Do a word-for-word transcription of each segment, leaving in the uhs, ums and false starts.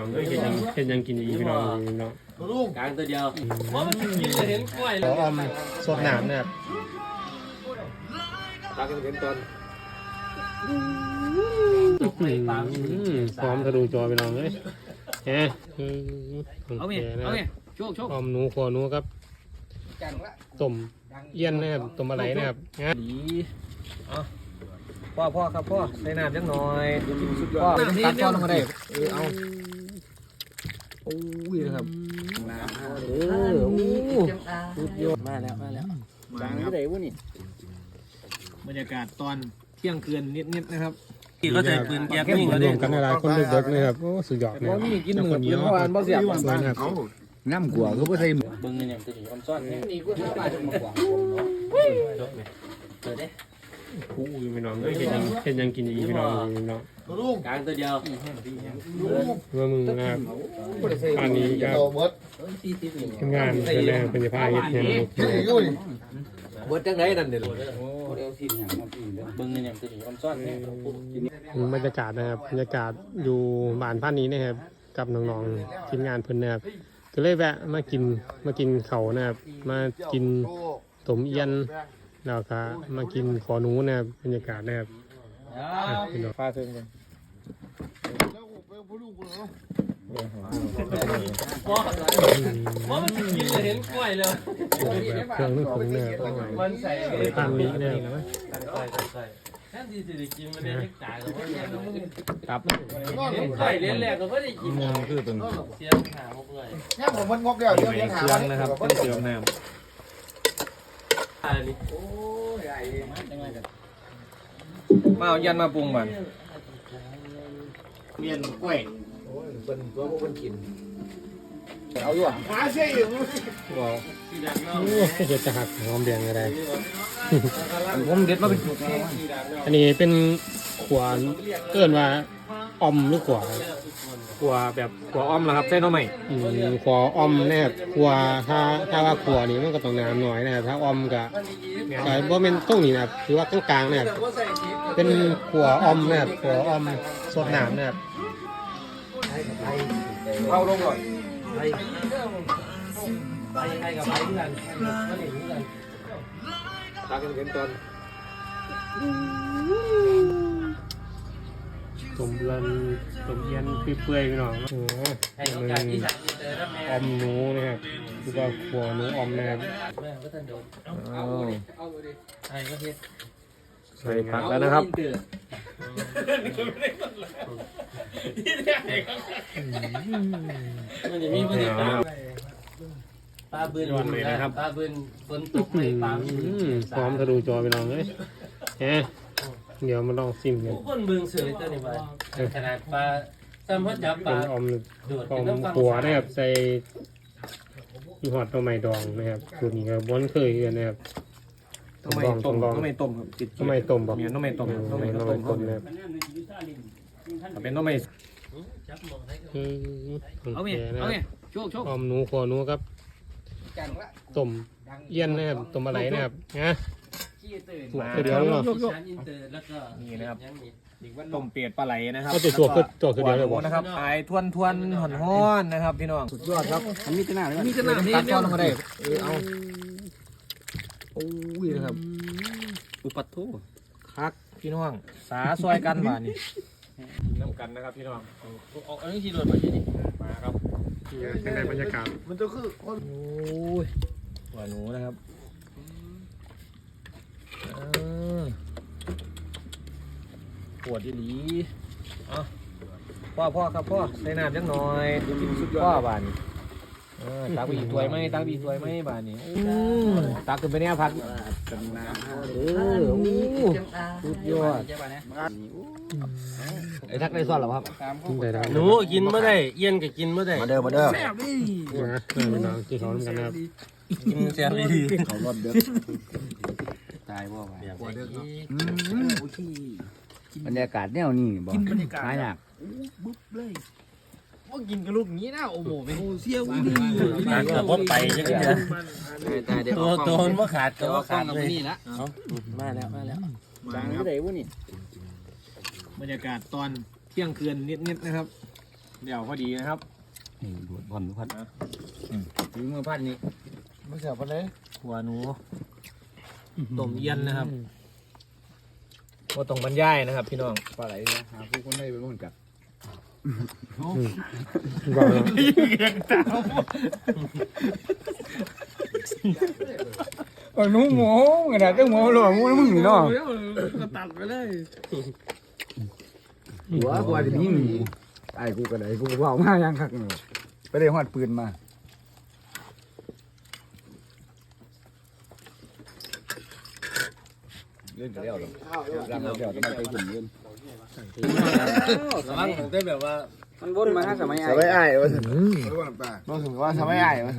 เอ้ยเห็นยังเห็นยังกินอีกพี่น้องพี่น้องกลางตัวเดียวว่ามันกินเลยเห็นกล้วยเลยอมสดน้ำนะครับตากันเห็นตอนพร้อมทะลุจอไปน้องเลยเฮ้ยเอาไงเอาไงโชคโชคอมหนูขอหนูครับต้มเอี้ยนนะครับต้มอะไรนะครับดีพ่อพ่อครับพ่อใส่น้ำจังหน่อยพ่อตัดพ่อลงมาได้เออเอาโอ้ยนะครับเออโอ้สุดยอดมาแล้วมาแล้วมาที่ไหนวะนี่บรรยากาศตอนเที่ยงคืนนิดๆนะครับก็จะปืนแก๊สนี่รวมกันอะไรคนเด็กๆนะครับโอ้สุดยอดเลยกินเหมือนเมื่อวานบ่เสียบนะครับน้ำกัวก็ไม่ใช่เบิ้งเนี่ยจะถืออมซ้อนนี่ก็จะมาจนหมดกว่าจบเลยเปิดได้คู่พี่น้องเอ้ยเห็นยังเห็นยังกินอีกพี่น้องพี่น้องกลางตัวเดียวเมื่อมึงนะครับอันนี้ครับทำงานเป็นแรงเป็นผ้าเย็ดเนี่ยเบิดจังไรนั่นเดี๋ยวเบิ้งเนี่ยจะถืออมซ้อนบรรยากาศนะครับบรรยากาศอยู่บ้านพันนี้นะครับกับน้องๆทีมงานเพิ่นนะครับก็เลยแวะมากินมากินเขานะครับมากินต้มเอี้ยนแล้วก็มากินขอหนูนะครับบรรยากาศนะครับฟ้าเทิงกันว่ามันกินเลยเห็นกล้วยเลยเครื่องนึกถึงเนี่ยมันใส่ตามนี้เนี่ยแค่ที่จะกินมันได้เล็กจ่ายกับว่าครับไข่เลี้ยงแรกก็ไม่ได้กินมันคือเป็นเสียงหาพวกเลยเนี่ยผมมันงกเดียวเดียวหาเครื่องนะครับเป็นเครื่องน้ำมาเอายันมาปรุงมันเมียนกล้วยเป็นตัวพวกมันกินเอาอยู่อ่ะหาเสียอยู่ว้าวโอ้เห็ดจะหักหอมแดงอะไรผมเด็ดมาเป็นจุกอันนี้เป็นขวานเกินว่าอมหรือขวาขวาแบบขวาอมนะครับใช่น้องใหม่ขวาอมนะครับขวาถ้าถ้าว่าขวานี่มันก็ต้องน้ำหน่อยนะครับถ้าอมก็ก็บ่เป็นตรงนี้นะครับคือว่ากลางๆนะครับเป็นขวาอมนะครับขวาอมสดน้ำนะครับเอาลงก่อนไปไปไปกับไปที่กันก็หนีกันตากันเห็นตอนสมรันสมเย็นเปื่อยๆพี่น้องโอ้โหมันอมหนูนะครับคือว่าขัวหนูอมนะครับเอาใส่ผักแล้วนะครับมันจะมีบรรยากาศปลาบืนเลยนะครับปลาบืนฝนตกเลยปลาพร้อมทะลุจอไปลองเลยเฮ้เดี๋ยวมาลองซิมกันคนเบืองเสือตัวนี้ไปขนาดปลาซ้ำพัดจับปลาอมอมขัวนะครับใส่ยีหอดตัวใหม่ดองนะครับสูตรนี้ก็บ้วนเคยกันนะครับต้มต้มต้มไม่ต้มครับต้มไม่ต้มบอกต้มไม่ต้มต้มไม่ต้มต้มนะครับเป็นต้มไม่เอาไงเอาไงโชคโชคอมหนูขอหนูครับต้มเอี้ยนนะครับต้มอะไรนะครับนะตัวเดียวเนาะนี่นะครับต้มเปียดปลาไหลนะครับก็จะตัวก็ตัวคือเดียวเลยบอกนะครับไอ้ทวนทวนห่อนห้อนนะครับพี่น้องสุดยอดครับอันนี้จะหนามีจะหนานี่ตัดก้อนลงมาได้เออเอาโอ้ยนะครับอุปัตโตคักพี่น้องสาซอยกันบ้านี่น้ำกันนะครับพี่น้องเอาอันนี้ที่โดนมาที่นี่มาครับยังไงบรรยากาศมันจะคือโอ้ยหัวหนูนะครับปวดดีหลีพ่อพ่อครับพ่อใส่น้ำจังหน่อยพ่อบ้านตักบีถวยไหมตักบีถวยไหมบ้านนี้ตักขึ้นไปเนี่ยพัดเออสุดยอดไอ้ทักได้ซ้อนหรอครับหนูกินไม่ได้เอี้ยนก็กินไม่ได้มาเด้อมาเด้อแซ่บดินะพี่น้องกินเขาเหมือนกันนะครับกินแซ่บดีเขารอดเด้อตายบ่ไปบรรยากาศแนวนี้บ่หายากบุ๊บเลยว่ากินกับลูกนี้นะโอ้โหเป็นโอเซี่ยวดีตายก็พดไปใช่ไหมตัวตัวมันว่าขาดตัวขาดเลยนี่ละมาแล้วมาแล้วมาที่ไหนวะนี่บรรยากาศตอนเที่ยงคืนนิดๆนะครับเดี๋ยวพอดีนะครับนี่ดูดบอลพัดถือมือพันนี้ไม่เสียบเลยหัวหนูต้มเย็นนะครับก็ต้องบรรยายนะครับ พี่น้องปลาไหลนะหาผู้คนได้ไปบ้างกับโอ้หนูหมูกระดาษก็หมูหลวงมูมึงนี่เนาะก็ตัดไปเลยหัวหัวจะยิงไอ้กูกระไดกูว่ามายังคักเนาะไปได้ฮอดปืนมาเล่นกันแล้วหรอรังเราเดี๋ยวจะไปหุ่นเล่นระวังผมได้แบบว่ามันวนมาสมัยไอ้สบายอ้ายวะรู้สึกว่าสมัยไอ้วะ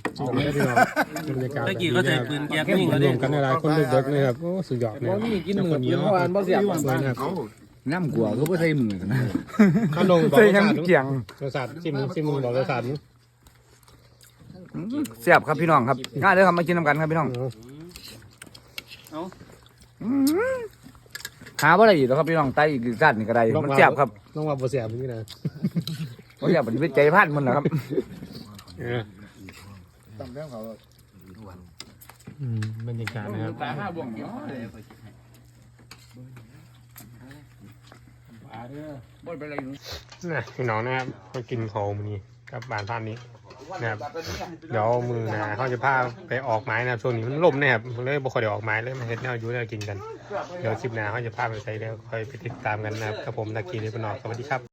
ตะกี้ก็ใส่ปืนแก๊ปนิ่งแล้วรดิวมกันในหลายคนเด็กๆนะครับโอ้สุดยอดเลยว่ามีกินหมูกินเมื่อวานบ่เสียบสวยนะครับน้ำกัวก็ไม่ใช่มือนะข้าวลงบอกใส่รสยังชาติเกี่ยงรสชาติชิมชิมมึงบอกรสชาติเสียบครับพี่น้องครับง่ายเลยครับมากินน้ำกันครับพี่น้องหาว่าอะไรอีกแล้วครับพี่น้องไตอีกสั้นนี่ก็ได้มันเสียบครับต้องว่าบ่เสียบนี่นะมันเสียบมันเป็นใจพันมันนะครับเออตำแก้วเขาอืมบรรยากาศนะครับตาห้าบ่วงเนาะนะพี่น้องนะครับมากินของมื้อนี้กับบานท่านนี้นะครับเดี๋ยวมือนะเขาจะพาไปออกไม้นะครับช่วงนี้มันลมนะครับเลยบ่ค่อยได้ออกไม้เลยมาเฮ็ดแนวอยู่แนวกินกันเดี๋ยวคลิปหน้าเขาจะพาไปใส่แล้วคอยไปติดตามกันนะครับกับผมตะกี้นี่เป็นนอกสวัสดีครับ